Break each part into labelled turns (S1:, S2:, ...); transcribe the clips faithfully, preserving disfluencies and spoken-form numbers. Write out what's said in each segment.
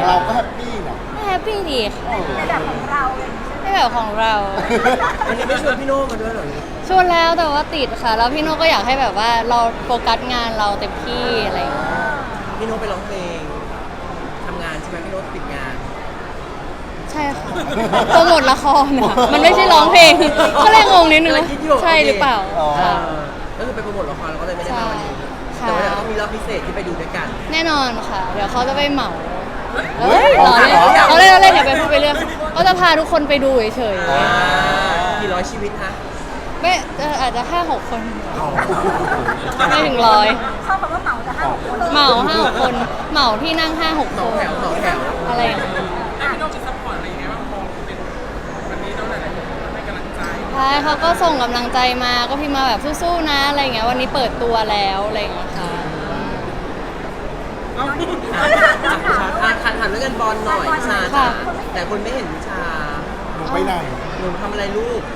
S1: เราก็แฮปปี้นะ
S2: ไม่แฮปปี้ดีค่ะ
S3: ในแบบของเราเลย
S2: ไม่แบบของเรา
S4: วันนี้ไม่ชวนพี่โน่มาด้วยเหรอ
S2: ชวนแล้วแต่ว่าติดค่ะ แล้วพี่โน่ก็อยากให้แบบว่าเราโฟกัสงานเราเต็มที่อะไรอย่างเงี้ย
S4: พี่โน่ไปร้องเพลงทำงานใช่ไหมพี่โน่ติดงาน
S2: ใช่ค่ะโปรโมทละครอ่ะมันไม่ใช่ร้องเพลง ก็เลยงงนิดนึงว่าใช่หรือเปล่า
S4: เอ
S2: ค่ะ
S4: อก็คือไปโปรโมทละครเราก็เลยไม่ได้มาวันนี้
S2: ใช่
S4: แต่ว่าเดี๋ยวต้องมีรอบพิเศษที่ไปดูด้วยกัน
S2: แน่นอนค่ะ เดี๋ยวเขาจะไปเหมาเฮ้ยเราเล่นเราเล่นเราเล่นอย่าไปพูดไปเรื่องเขาจะพาทุกคนไปดูเฉย
S4: อ่ากี่ร้อยชีวิตฮะ
S2: ๆไม่เอ่ออาจจะห้าหกคนไม่ถึงร้อย
S3: ชอบคำว่าเหมาแต่ห้าหกคน
S2: เหมาห้าหกคนเหมาที่นั่งห้าหก
S4: เห
S2: ค
S4: มาน แถวเหมาแถว
S2: อะไรอย่างเงี้ย
S5: แล้วพี่โน่จะซัพพอร์ตอะไรยังไงบ้างพอเป็นวันนี้ต้องหลายๆคนให้กำลังใจ
S2: ใช่เขาก็ส่งกำลังใจมาก็พิมพ์มาแบบสู้ๆนะอะไรอย่างเงี้ยวันนี้เปิดตัวแล้วอะไรอย่างเงี้ยค่ะ
S5: เอ้า
S4: อ่ะถามถามเรื่องเงินบอลหน่อยวิชาจ้ะแต่คนไม่เห็นวิชา
S1: หนูไปไหน
S4: หนูทำอะไรลูก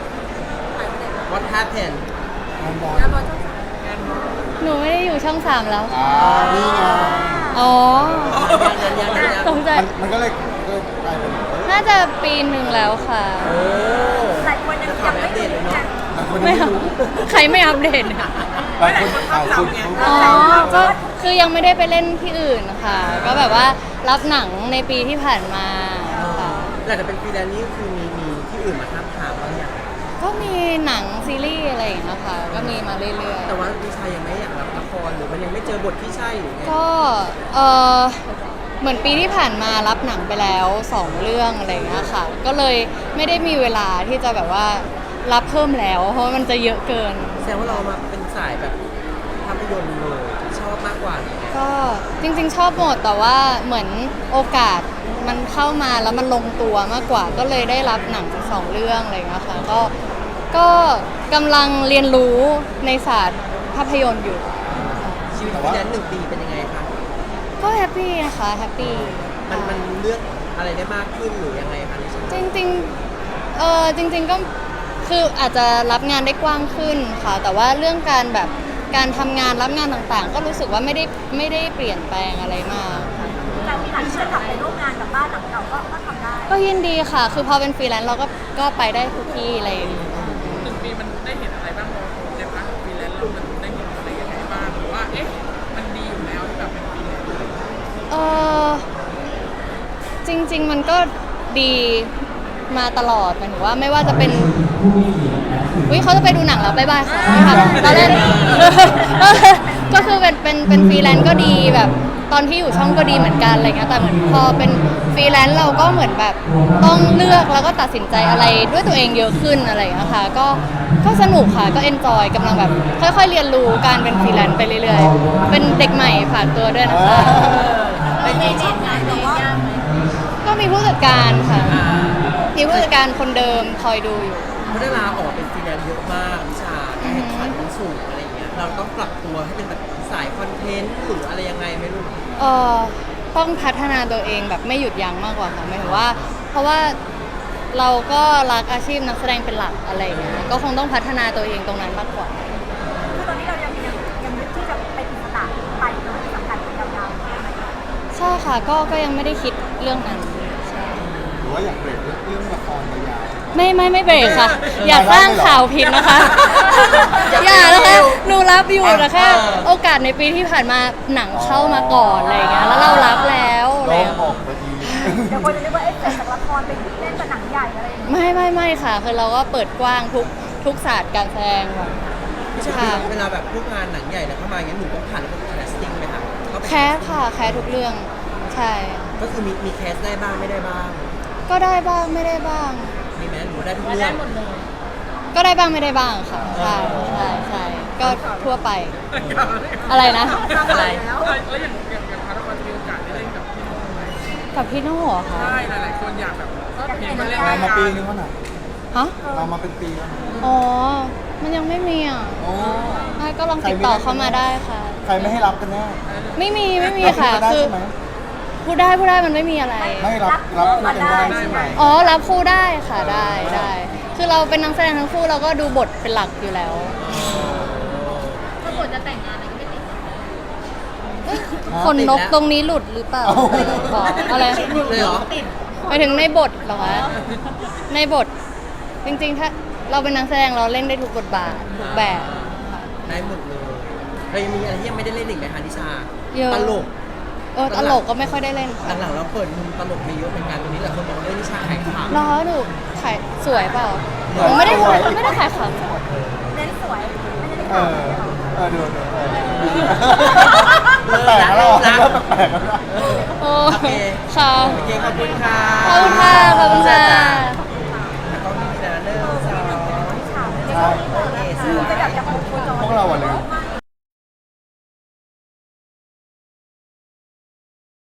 S4: What happened
S1: งานบอล
S2: หนูไม่ได้อยู่ช่องสามแล้ว
S1: อ่านี่ไง
S2: อ๋อ
S4: ยังยังยังยัง
S2: ตกใจ
S1: มันมันก็เลยก็กลายเป็น
S2: น่าจะปีหนึ่งแล้วค่ะ
S4: โอ้
S3: หลายคนยัง
S4: ข่า
S3: ยั
S4: ว
S3: ง
S4: อั
S3: ไม่
S4: ปเด
S3: รู้
S4: ตเลยเนาะ
S1: หลายคน
S2: ไม่
S1: ไม่
S2: อัป
S1: รู้
S2: ใครไม่อัปเดตเนี่ย
S1: หลายคนหลายคน
S2: อ๋อ ก็คือยังไม่ได้ไปเล่นที่อื่นค่ะ ก็แบบว่ารับหนังในปีที่ผ่านมาค่ะ
S4: หลังจากเป็นฟรีแลนซ์นี่คือมีมีที่อื่นมาทับถามบ้างอย่าง
S2: ก็มีหนังซีรีส์อะไรอย่างเงี้ยค่ะ ก็มีมาเรื่อย
S4: แต่ว่าวิชายังไม่อยากรับละครหรือมันยังไม่เจอบทที่ใช่หรือไง
S2: ๆ ก็เออเหมือนปีที่ผ่านมารับหนังไปแล้วสองเรื่องอะไรอย่างเงี้ยค่ะ ก็เลยไม่ได้มีเวลาที่จะแบบว่ารับเพิ่มแล้ว เพราะว่ามันจะเยอะเกิน
S4: แสดงว่าเรามาเป็นสายแบบภาพยนตร์เลยชอบมากกว่านี้
S2: ก็จริงๆชอบหมดแต่ว่าเหมือนโอกาสมันเข้ามาแล้วมันลงตัวมากกว่า ก็เลยได้รับหนังสองเรื่องอะไรอย่างเงี้ยค่ะก็ก็กำลังเรียนรู้ในศาสตร์ภาพยนตร์อยู่
S4: ชีวิตฟรีแลนซ์หนึ่งปีเป็นยังไงคะ
S2: ก็แฮปปี้นะคะแฮปปี้
S4: มันมันเลือกอะไรได้มากขึ้นหรือยังไงคะในชีวิต
S2: จริงๆเออจริง ๆก็คืออาจจะรับงานได้กว้างขึ้นค่ะ แต่ว่าเรื่องการแบบการทำงานรับงานต่างๆ ก็รู้สึกว่าไม่ได้ไม่ได้เปลี่ยนแปลงอะไรมากค่ะ
S3: แต่มีหลังที่จะกลับไปร่วมงานกับบ้านหลังเก่าก็ก็ทำได้
S2: ก็ยินดีค่ะ คือพอเป็นฟรีแลนซ์เราก็ก็ไปได้ทุกที่อะไรอย่างเงี้ย
S5: หนึ่งปีมันได้เห็นอะไรบ้างเราในพาร์ทของฟรีแลนซ์เรามันได้เห็นอะไรยังไงบ้างหรือว่าเอ๊ะมันดีอยู่แล้วที่แบบเป็นฟรีแลนซ์
S2: เออจริง ๆ มันก็ดีมาตลอดหมายถึงว่าไม่ว่าจะเป็นวิเขาจะไปดูหนังแล้วบ๊ายบายค่ะตอนเล่น ก็คือเป็นเป็นเป็นฟรีแลนซ์ก็ดีแบบตอนที่อยู่ช่องก็ดีเหมือนกันอะไรเงี้ยแต่เหมือนพอเป็นฟรีแลนซ์เราก็เหมือนแบบต้องเลือกแล้วก็ตัดสินใจอะไรด้วยตัวเองเยอะขึ้นอะไรอย่างเงี้ยค่ะก็ก็สนุกค่ะก็เอนจอยกำลังแบบค่อยๆเรียนรู้การเป็นฟรีแลนซ์ไปเรื่อยๆเป็นเด็กใหม่ฝากตัวด้วยนะคะ
S3: เป็นเด็กงานแต่ว่า
S2: ก็มีผู้จัดการค่ะ
S4: อ่า
S2: มีผู้จัดการคนเดิมคอยดูอยู่
S4: เพราะได้ลาออกเป็นฟรีแลนซ์เยอะมากวิชาการแข่งขันมันสูงอะไรอย่างเงี้ยเราต้องปรับตัวให้เป็นแบบสายคอนเทนต์หรืออะไรยังไงไม่รู้
S2: เอ่อต้องพัฒนาตัวเองแบบไม่หยุดยั้งมากกว่าค่ะหมายถึงว่า เพราะว่าเราก็รักอาชีพนักแสดงเป็นหลักอะไรอย่างเงี้ยก็คงต้องพัฒนาตัวเองตรงนั้นมากกว่า
S3: คือตอนนี้เรายังยังยังยึดที่จะไปถึงสตาร์ทไปเนาะที่สำคัญเป็นยาวๆใช่ไหม
S2: ใช่ค่ะก็ก็ยังไม่ได้คิดเรื่องนั้นใช่
S1: หรือว่าอยากเบรกเรื่องละครยาว
S2: ไม่ไม่ไม่เบรกค่ะ อย่าสร้างข่าวผิดนะคะ อย่านะคะหนูรับอยู่แต่แค่โอกาสในปีที่ผ่านมาหนังเข้ามาก่อนอะไรอย่างเงี้ยแล้วเรารับแล้วอะไร
S1: โล่
S2: อย่าง ง
S1: อ
S2: เงี้ย
S1: อกไปที
S3: เดี๋ยวคนจะนึกว่าเอ๊ะเสร็จจากละครเป็นเล่นกับหนังใหญ่อะไรอย่างเงี้ย
S2: ไม่ไม่ไม่ค่ะ คือเราก็เปิดกว้างทุกทุกศาสตร์การแสดงแบบ
S4: วิชา
S2: ค่ะ
S4: เวลาแบบพวกงานหนังใหญ่แล้วเข้ามาอย่างเงี้ยหนูต้องผ่านระบบแคสติ้งไหมคะเข้าไป
S2: แคสค่ะแคสทุกเรื่องใช่
S4: ก็คือมีมีแคสได้บ้างไม่ได้บ้าง
S2: ก็ได้บ้างไม่ได้บ้าง
S4: มีไหมหนูได้ทุกเรื่อง
S2: ก็ได้บ้างไม่ได้บ้างค่ะใช่ใช่ใช่ก็ทั่วไปอะไรนะ
S4: อะไร
S5: แล้วแล้วอย่างอย่างอย่างพาร์ทละครจะมีโอกาสได้เล่นกับพี่โน่ไหม
S2: กับพี่โน่เหรอคะ
S5: ใช่หลายๆคนอยากแบบก็เห็นมันเล่น
S1: เรา
S5: ราย
S1: มา
S5: การ
S1: ปีนึงแล้วนะ
S2: ฮะ
S1: เรามาเป็นปีแล้วนะ
S2: อ๋อมันยังไม่มีอ่ะ
S1: โอ้
S2: ไม่ก็ลองติดต่อเข้ามาได้ค่ะ
S1: ใครไม่ให้รับกันแน่
S2: ไม่มีไม่มี
S1: รับ
S2: ค่ะ
S1: กันได้
S2: คือ
S1: ใช่ไหม
S2: พูดได้พูดได้มันไม่มีอะไร
S1: ไม่รับรับคู่กันได้ใช่ไหม
S2: อ๋อรับคู่ได้ค่ะได้ได้ คือเราเป็นนักแสดงทั้งคู่เราก็ดูบทเป็นหลักอยู่แล้ว
S3: ถ้าบทจะแต่งงานอะไรก็ไม่ติด
S2: เอ้ยขนนกตรงนี้หลุดหรือเปล่าบอกอะไร
S4: หลุดเลยเหรอ
S2: ไปถึงในบทเหรอคะในบทจริงๆถ้าเราเป็นนักแสดงเราเล่นได้ทุกบทบาททุกแบบค่ะ
S4: ได้หมดเลยเรายังมีอะไรที่ยังไม่ได้เล่นอีกไหมคะนิชา
S2: เยอะ
S4: ตลก
S2: เออตลกก็ไม่ค่อยได้เล่นค่ะ
S4: หลังๆเราเปิดมุมตลกไปเยอะเหมือนกันตรงนี้แหละคนบอกว่าเอ้ยนิชาขายขำ
S2: ล้อหนูขายสวยเปล่าหนูไม่ได้ไม่ได้ขายขำ
S3: เน้นสวยไม่ได้
S1: เอ
S3: ข่าว
S1: อ
S3: เลยเหรอ
S1: เออดูดูเออแปลกๆแล้วเริ่มแปลกๆแล้ว
S2: โอ้
S4: โอเค
S2: ค่ะ
S4: โอเคขอบคุณค่ะ
S2: ขอบคุณค่ะขอบคุณ